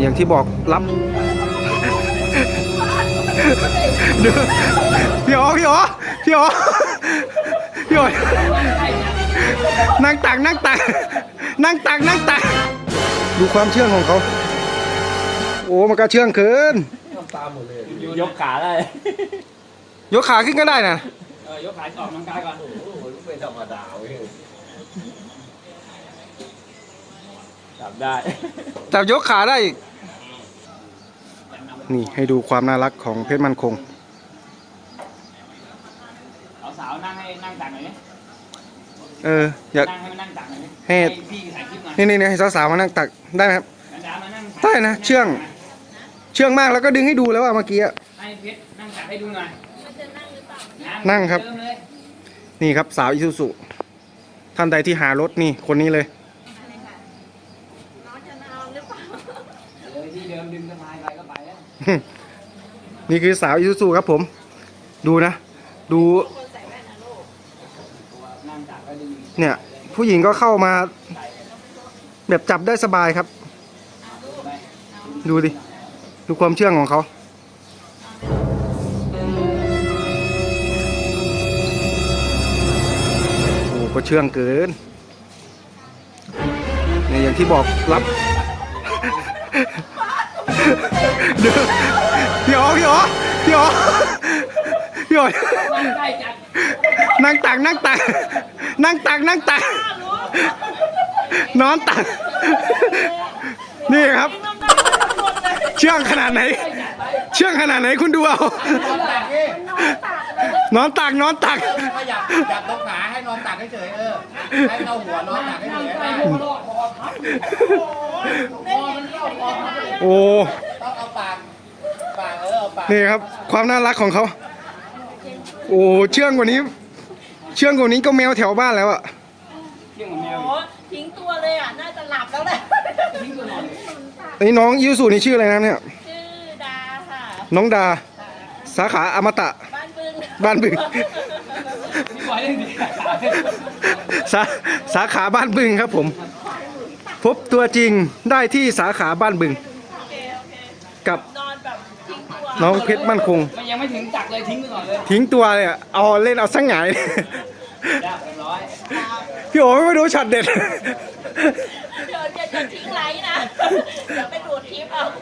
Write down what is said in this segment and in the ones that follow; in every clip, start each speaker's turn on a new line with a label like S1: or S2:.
S1: อย่างที่บอกรับพี่อ๋อพี่อ๋อพี่อ๋อพี่อ๋อนั่งตักนั่งตักนั่งตักนั่งตักดูความเชื่องของเขาโอ้มันก็เชื่องเกิน
S2: ยกขาได้
S1: ยกขาขึ้นก็ได้นะ
S2: ยกขาออกกำลังกายก่อนไม่ธรรมดาเว้ยจับได้
S1: จับยกขาได้อีกนี่ให้ดูความน่ารักของเพชรมั่นคง
S2: สาวนั่งให้นั่งตักหน่อย
S1: อยาก
S2: นั่งให้มันนั่งตักหน่อย
S1: ให้
S2: พี่ถ่ายคลิปหน่อย
S1: นี่ให้สาวๆมานั่งตักได้ไหมครับได้นะเชื่องมากแล้วก็ดึงให้ดูแล้วว่าเมื่อกี้
S2: ให้เพชรนั่งตักให้ดูหน่อย
S1: นั่งครับนี่ครับสาวอิซูซุท่านใดที่หารถนี่คนนี้เลย
S2: ที่เดิมดึงสบายไปก็ไปแล้ว
S1: นี่คือสาวอิซูซุครับผมดูนะดูเนี่ยผู้หญิงก็เข้ามาแบบจับได้สบายครับดูดิดูความเชื่องของเขาโอ้ก็เชื่องเกินเนี่ยอย่างที่บอกรับเดี๋ยวพี่อ๋อพี่อ๋อพี่อ๋อพี่อ๋อนั่งตักนั่งตักนั่งตักนั่งตักนอนตักนี่ครับเชื่องขนาดไหนเชื่องขนาดไหนคุณดูเอานอนตักนอนตัก
S3: จับตรงขาให้นอนตักเฉยให้เอาหัวนอนตักเฉย
S1: โอ้
S3: ต้องเอาปากเอาปาก
S1: นี่ครับความน่ารักของเขาโอ้เชื่องกว่านี้ก็แมวแถวบ้านแล้วอะ
S4: ทิ้งตัวเลยอ่ะน่าจะหลับแล้วแหละ
S1: นี่น้องยูสุนี่ชื่ออะไรนะเนี่ย
S4: ชื่อดาค่ะ
S1: น้องดาสาขาอมตะบ้านบึงสาขาบ้านบึงครับผมพบตัวจริงได้ที่สาขาบ้านบึงกับน้องเพชรมั่นคง
S2: ยังไม่ถึงจักเลยทิ้งไปก่อนเลย
S1: ทิ้งตัวเลยเอาเล่นเอาสังหงายพี่โอ๋ไม่รู้ช็อตเด็ด
S4: เดี๋ยวจะทิ้งไลน์นะเดี๋ยวไปดูดคลิปเอา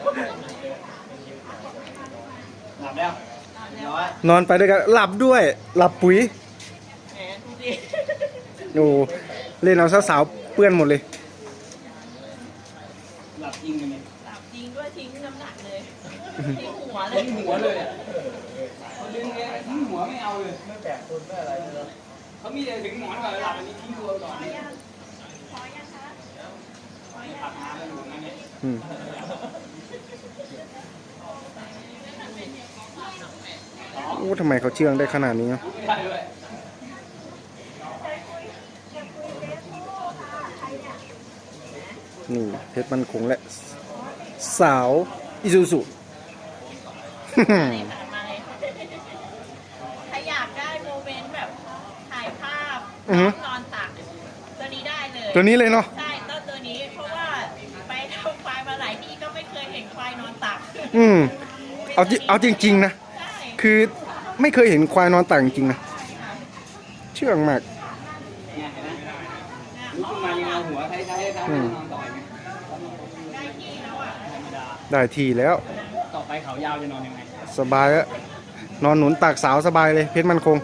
S2: หลับแล้ว
S1: นอนไปด้วยกันหลับด้วยหลับปุ๋ยโอ้เล่นเอาสาวๆเปื้อนหมดเลย
S2: หลับจริงเลย
S4: หลับจริงด้วยทิ้งน้ำหนักเลยทิ้งหัวเลย
S2: ทิ้งหัวเลยเขาดึงเลยทิ้งหัวไม่เอาเลยไม่แตกต้นไม่อะไรเลยเขามีแต่ถึงหมอนก่อนหลับอันนี้ทิ้งตัวก่อน
S4: พอยังคะ
S2: ตัดน้ำแล้วอยู่นั่นเนี่ย
S1: โอ้ทำไมเขาเชื่องได้ขนาดนี้นี่เพชรมั่นคงและสาวอิซูซุ
S4: ถ้าอยากได้โมเมนต์แบบถ่ายภาพนอนตักตัวนี้ได้เลย
S1: ตัวนี้เลยเนาะ
S4: ใช่ตัวนี้เพราะว่าไปทำควายมาหลายที่ก็ไม่เคยเห็นควายนอนตัก
S1: เอาจริงๆนะคือไม่เคยเห็นควายนอนตักจริงๆนะเชื่องมาก
S2: ลุกขึ้นมายังเอาหัวไทยนอนต่อยไหม
S1: ได้ทีแล้ว
S2: ต่อไปเขายาวจะนอนยังไง
S1: สบายแล้วนอนหนุนตักสาวสบายเลยเพชรมั่นคง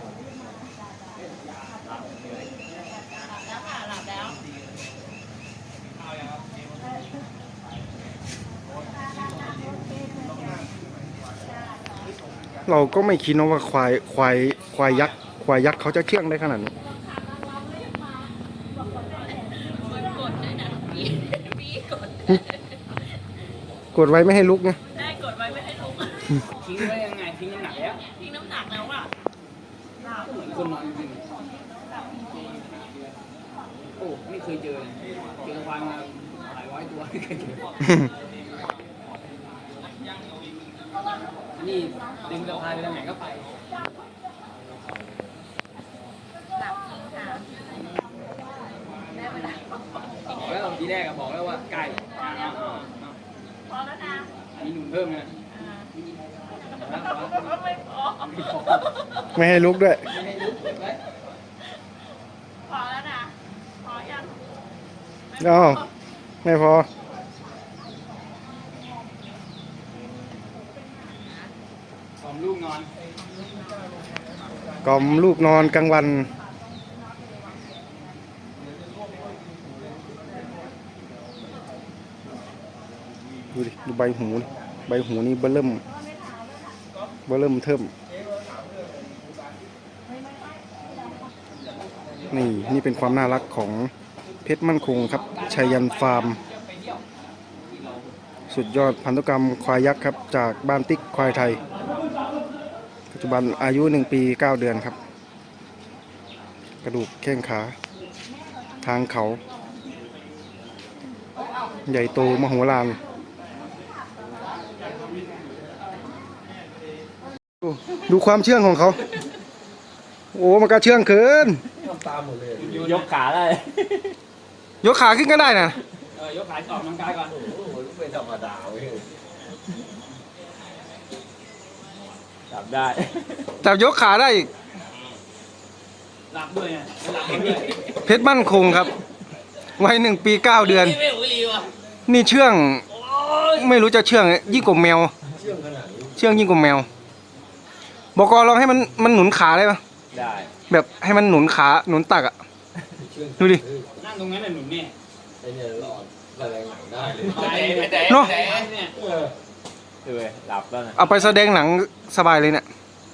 S1: เราก็ไม่คิดนะว่าควายยักษ์เขาจะเชื่องได้ขนาดนี้กดไว้ไม่ให้ลุกไง
S4: ได้กดไว้ไม่ให้ลุก
S2: ทิ้งไว้ยังไงทิ้งน้ำหนักแล้ว
S4: ทิ้งน้ำหนักแล้วอ่ะ
S2: เหมือนคนนอนจริงโอ้ไม่เคยเจอควายมาหลายร้อยตัวไม่เคยเจอนี่ดึงสะพายไปทางไหนก็ไป
S4: หลับจริงค่ะได้เวลา
S2: บอกแล้วทีแรกบอกแล้วว่าใกล้เพิ่มไง
S4: ไม่พอ
S1: ไม่ให้ลุกด้วย
S2: ไม่ให้ลุกเก็บไว้
S4: พอแล้วนะพอยัง
S1: อ้าวไม่พอ
S2: สอมลูกนอน
S1: กล่อมลูกนอนกลางวันดูดิดูใบหูนี่ใบหูนี่เบิ่มเทิ่มนี่เป็นความน่ารักของเพชรมั่นคงครับชัยยันฟาร์ม สุดยอดพันธุกรรมควายยักษ์ครับจากบ้านติ๊กควายไทย ปัจจุบันอายุ 1 ปี 9 เดือนครับ กระดูกแข้งขา ทางเขา ใหญ่โตมโหฬารดูความเชื่องของเขา โอ้มันก็เชื่องเกิน
S3: ยกขาได้
S1: ยกขาขึ้นก็ได้นะ
S2: ยกขาออกกำลังกายก่อน
S3: จับได้
S1: จับยกขาได้อีก
S2: หลับด้วยไงหลับด้วย
S1: เพชรมั่นคงครับ วัย 1 ปี 9 เดือน
S2: ไม่หูรีว่ะ
S1: นี่เชื่อง ไม่รู้จะเชื่องยิ่งกว่าแมว เชื่องยิ่งกว่าแมว บอกกลองให้มันหนุนขาได้ปะ
S3: ได้
S1: แบบให้มันหนุนขาหนุนตักอะดูดิ
S2: นั่งตรงนั้นน่ะหนุ่มเนี่ย
S3: ไอ้เนี่ยหลอดอะไรหนังได้เลย
S1: เนาะ
S2: เนี่ย
S3: คือหลับแล้วนะ
S1: เอาไปแสดงหนังสบายเลยเนี่ย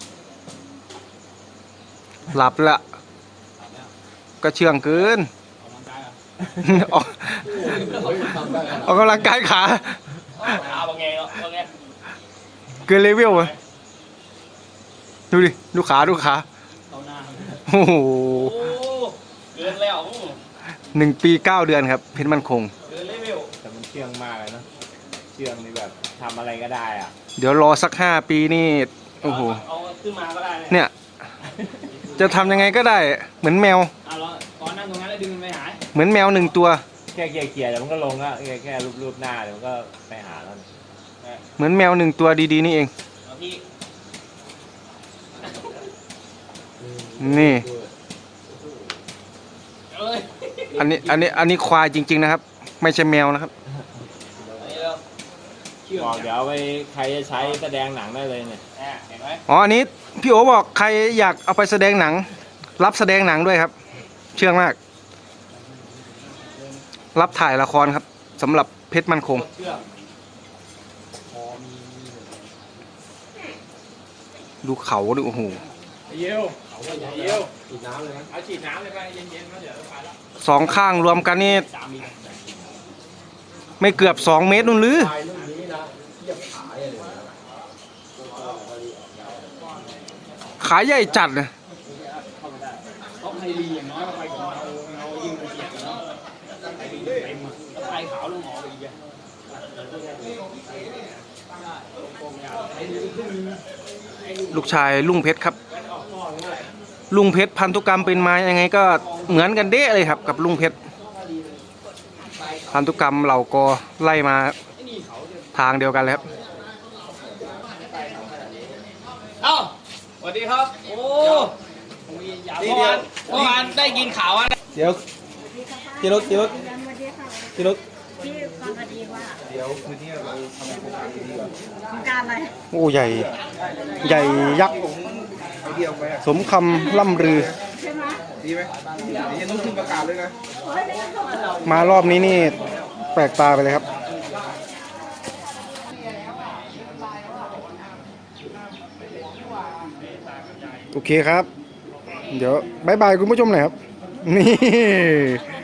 S1: หลับละ ก็เชื่องเกิน
S2: ออกกำลังกายอ่ะ
S1: ออกกำลังกายขา
S2: เอาบางไงบางไง
S1: เกินเลเวลอะดูดิ ดูขา ดูขา
S2: เอาหน้า
S1: โอ้โห
S2: โอ้เกินแล้ว
S1: 1 ปี 9 เดือนครับ เพชรมั่นคง
S2: เกินเลเวล
S3: แต่มันเชื่องมากเลยนะเชื่องนี่แบบทำอะไรก็ได้อ่ะ
S1: เดี๋ยวรอสัก 5 ปีนี่ โอ้โห
S2: เอาขึ้นมาก็ได้
S1: เนี่ย จะทำยังไงก็ได้ เหมือนแมว
S2: เอาแล้วตอนนั่งตรงนั้นแล้วดึงมันไปหาย
S1: เหมือนแมว1 ตัว
S3: แค่เกลี่ยๆเดี๋ยวมันก็ลงแล้วแค่รูปหน้าเดี๋ยวมันก็ไปหาแล้ว
S1: เหมือนแมว1 ตัวดีๆนี่เอง
S2: เอาพี่
S1: นี่
S2: เอ้ย
S1: อันนี้ควายจริง ๆนะครับ ไม่ใช่แมวนะครับ
S3: บอกเดี๋ยวไปใครจะใช้แสดงหนังได้เลยเนี่ย
S2: เห็นไหม
S1: อ๋อ อันนี้พี่โอบอกใครอยากเอาไปแสดงหนัง รับแสดงหนังด้วยครับ เชื่องมาก รับถ่ายละครครับสำหรับเพชรมั่นคง
S2: เชื่อ
S1: ดูเขาดูโอ้โห
S2: เยี่ยวเยี่ยวฉีดน้ำเลยนะเอาฉีดน้ำเลยไปเย็นๆแล้วเดี๋ยวไปแล้ว
S1: 2 ข้างรวมกันนี่
S2: 3 มิล
S1: ไม่เกือบ 2 เมตรนู่นหรือ ขาใหญ่จัดเลย
S2: ต้องไฮรีอย่างน้อยไปกับเรายิงไปเสียกันเนาะไฮรีเต็มไฮขาวลงหมอไปอีกอ่ะ
S1: ลูกชายลุงเพชรครับ ลุงเพชรพันธุกรรมเป็นมายังไงก็เหมือนกันเด้เลยครับ กับลุงเพชร พันธุกรรมเราก็ไล่มาทางเดียวกันเลยครับ
S2: เอ้าสวัสดีครับ โอ้เมื่อวานได้ยินข่าวว่า
S1: เดี๋ยวจิรุจิรุจิรุ
S4: พี่ฟังคดีว่าเดี๋ยวคืนนี้เราทำโครงการอะไร
S1: โอ้ใหญ่ ใหญ่ยักษ์สมคำล่ำลือ
S4: ใช่ไหม
S5: ดีไหมเดี๋ยวต้องขึ้นประกาศเลยนะ
S1: มารอบนี้นี่แปลกตาไปเลยครับ โอเคครับ เดี๋ยวบายบายคุณผู้ชมหน่อยครับ นี่